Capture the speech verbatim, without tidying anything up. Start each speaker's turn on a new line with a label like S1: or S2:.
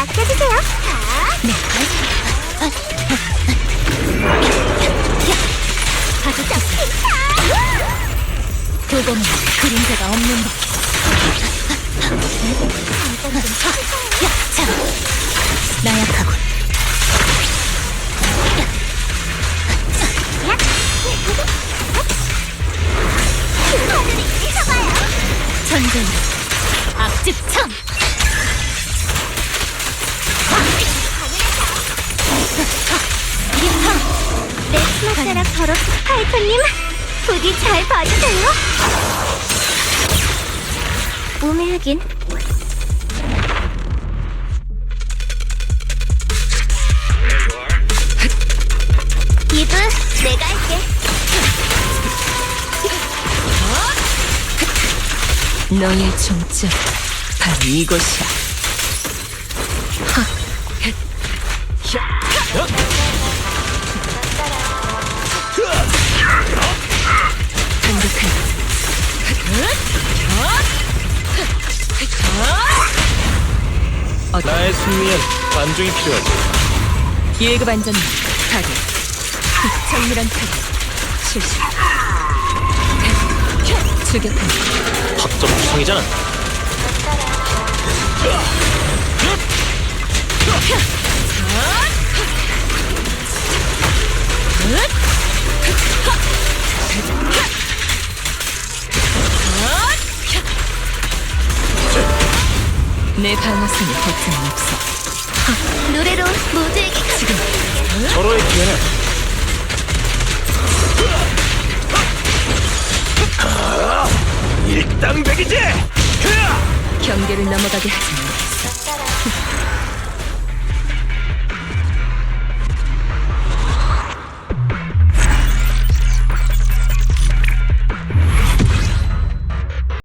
S1: 맡겨주세요. 네. 아주 딱 도검은 그림자가 없는 법. 야, 자, 나약하군. 하늘이 쳐봐요. 전쟁 악즙참. 내 스마트락 더러 파이터님, 부디 잘 봐주세요. 우매하긴. 이브, 내가 할게.
S2: 너의 종점 바로 이곳이야.
S3: 나의 승리엔 관중이 필요하지.
S2: 일급 안전망 타격. 정밀한 타격 실시. 추격한
S3: 합점 구성이잖아.
S2: 내 방어선에 걱정은 없어.
S1: 노래로 모두에게 지금
S3: 서로의 기회는 일당백이지.
S2: 경계를 넘어가게 하지 않겠어.